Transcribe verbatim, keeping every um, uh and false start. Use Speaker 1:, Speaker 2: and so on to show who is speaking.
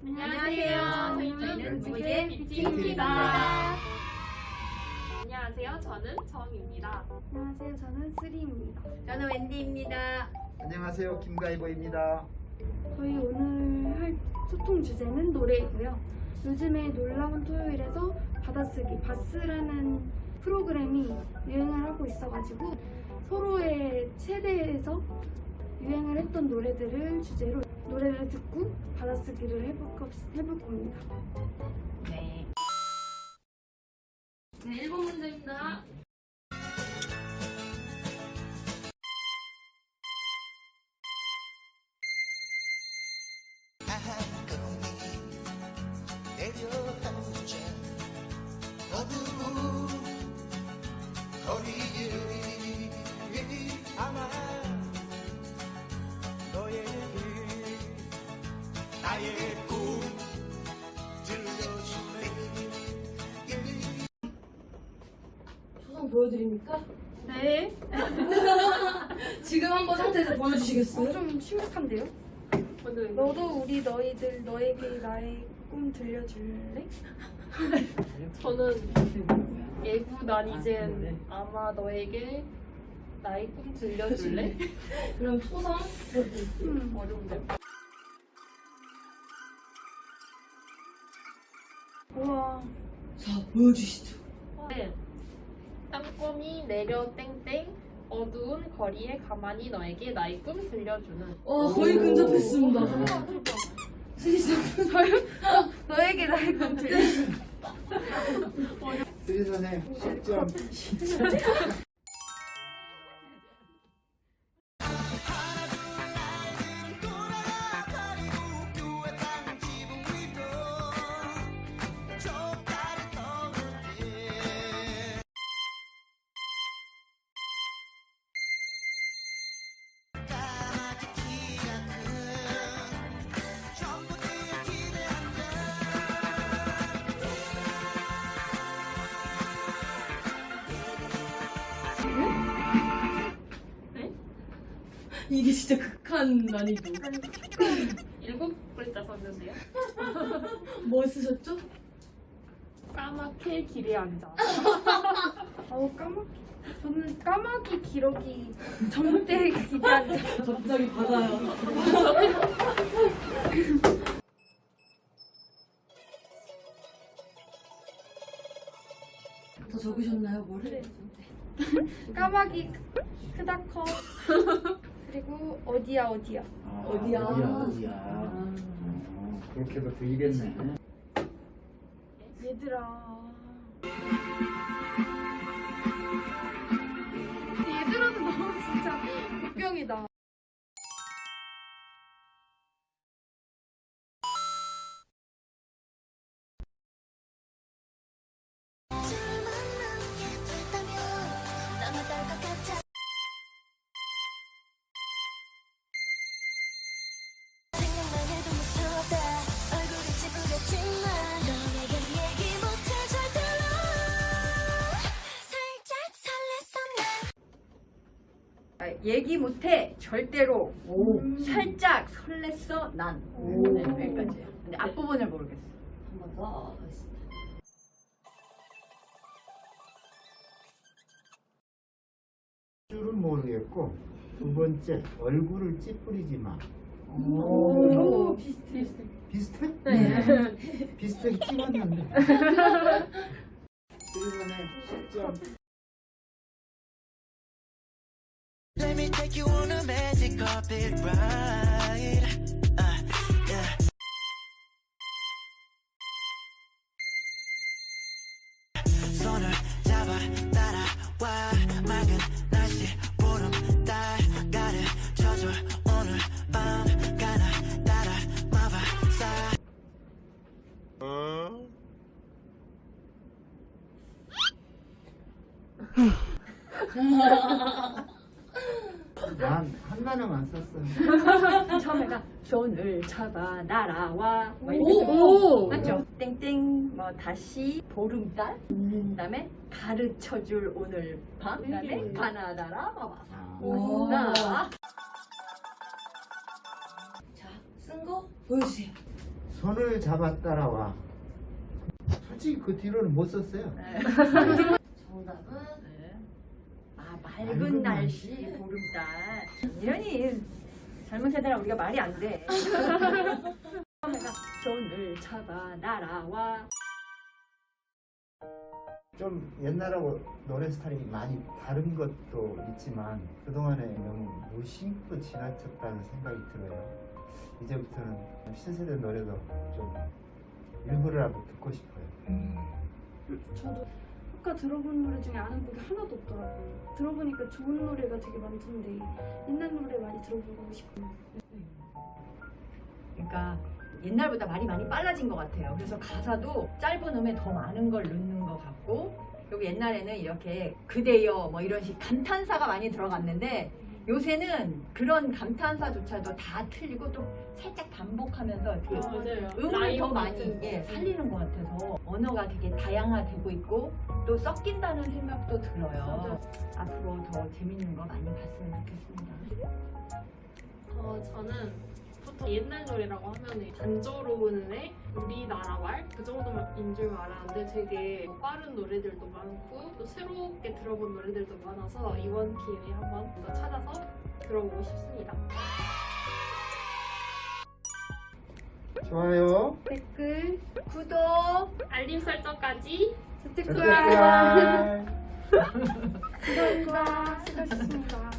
Speaker 1: 안녕하세요. 저희는 무게 뷰티입니다.
Speaker 2: 안녕하세요. 저는 정입니다.
Speaker 1: 안녕하세요. 저는 쓰리입니다.
Speaker 3: 저는 웬디입니다.
Speaker 4: 안녕하세요. 김가이보입니다.
Speaker 1: 저희 오늘 할 소통 주제는 노래이고요. 요즘에 놀라운 토요일에서 받아쓰기 바스라는 프로그램이 유행을 하고 있어가지고 서로의 세대에서 유행을 했던 노래들을 주제로 노래를 듣고 받아쓰기를 해볼, 거, 해볼 겁니다.
Speaker 3: 네.
Speaker 2: 네, 일 번 문제입니다.
Speaker 5: 초성 보여드립니까?
Speaker 1: 네.
Speaker 5: 지금 한번 상태에서 보여주시겠어요?
Speaker 1: 어, 좀 심각한데요? 너도 우리 너희들 너에게 나의 꿈 들려줄래?
Speaker 2: 저는 예구 난 이젠 아마 너에게 나의 꿈 들려줄래?
Speaker 5: 그럼 초성 보여드릴게요.
Speaker 1: 음.
Speaker 2: 어려운데요?
Speaker 1: 우와.
Speaker 5: 자, 보여주시죠.
Speaker 2: 네. 땅콩이 내려 땡땡 어두운 거리에 가만히 너에게 나의 꿈 들려주는.
Speaker 5: 어, 거의 근접했습니다.
Speaker 1: 너에게 나의 꿈 들려줄래?
Speaker 4: 쓰리 선생 십 점.
Speaker 5: 이게 진짜 극한 난이도.
Speaker 2: 일곱 글자 썼는데요.
Speaker 5: 뭐 쓰셨죠?
Speaker 2: 까맣게 길에 앉아.
Speaker 1: 아우 까마귀. 저는 까마귀 기러기 정대 기대한 적.
Speaker 5: 갑자기 받아요. 다 적으셨나요, 뭐를?
Speaker 1: 까마귀 크다 커. 그리고 어디야 어디야.
Speaker 4: 아,
Speaker 5: 어디야?
Speaker 4: 어디야? 어디야? 어, 그렇게도 들리겠네.
Speaker 1: 얘들아. 얘들아는 너무 진짜 복병이다.
Speaker 3: 얘기 못해 절대로.
Speaker 5: 오.
Speaker 3: 살짝 설렜어 난.
Speaker 5: 오.
Speaker 3: 네, 여기까지예요. 근데 앞부분을 모르겠어.
Speaker 5: 한 번 더 하겠습니다.
Speaker 4: 줄은 모르겠고 두 번째 얼굴을 찌푸리지 마.
Speaker 1: 오,
Speaker 2: 비슷해.
Speaker 4: 비슷해?
Speaker 2: 네.
Speaker 4: 비슷하게 찍었는데. 쓰리 선생 십 점.
Speaker 6: Let me take you on a magic carpet ride. Uh, yeah. 손을 잡아 따라와 맑은 날씨 보름 달 가르쳐줘 오늘 밤 가나 따라 마법사.
Speaker 4: 난 한 단어만 썼어.
Speaker 3: 처음에가 손을 잡아 날아와. 뭐 이렇게
Speaker 5: 오!
Speaker 3: 맞죠? 땡땡 뭐 다시 보름달. 그다음에 가르쳐줄 오늘 밤. 그다음에 가나다라 봐봐.
Speaker 4: 아,
Speaker 5: 오.
Speaker 3: 나
Speaker 5: 자, 쓴 거 보여주세요.
Speaker 4: 손을 잡아 따라와. 솔직히 그 뒤로는 못 썼어요.
Speaker 5: 정답은
Speaker 3: 네. 아 맑은
Speaker 4: 맑은
Speaker 3: 날씨
Speaker 4: 날씨?
Speaker 3: 보름달. 이러니 젊은 세대랑 우리가 말이 안 돼. 처음에가 손을 잡아 날아와.
Speaker 4: 좀 옛날하고 노래 스타일이 많이 다른 것도 있지만 그동안에 너무 무심코 지나쳤다는 생각이 들어요. 이제부터는 신세대 노래도 좀 일부러라도 듣고 싶어요.
Speaker 1: 저도 아까 들어본 노래 중에 아는 곡이 하나도 없더라고요. 들어보니까 좋은 노래가 되게 많던데 옛날 노래 많이 들어보고 싶어요.
Speaker 3: 그러니까 옛날보다 말이 많이 빨라진 것 같아요. 그래서 가사도 짧은 음에 더 많은 걸 넣는 것 같고, 그리고 옛날에는 이렇게 그대여 뭐 이런 식 감탄사가 많이 들어갔는데 요새는 그런 감탄사조차도 다 틀리고 또 살짝 반복하면서 이렇게
Speaker 2: 맞아요.
Speaker 3: 음을
Speaker 2: 라이브
Speaker 3: 더 많이
Speaker 2: 같은
Speaker 3: 예,
Speaker 2: 거.
Speaker 3: 살리는 것 같아서 언어가 되게 다양화되고 있고 또 섞인다는 생각도 들어요. 앞으로 더 재밌는 거 많이 봤으면 좋겠습니다.
Speaker 2: 어, 저는 보통 옛날 노래라고 하면 단조로운의 우리나라 말 그 정도인 줄 알았는데 되게 빠른 노래들도 많고 또 새롭게 들어본 노래들도 많아서 이번 기회에 한번 더 찾아서 들어보고 싶습니다.
Speaker 4: 좋아요.
Speaker 1: 댓글,
Speaker 3: 구독!
Speaker 2: 알림 설정까지
Speaker 1: 재테크야.
Speaker 4: 짠.
Speaker 1: 감사합니다. 수고하셨습니다.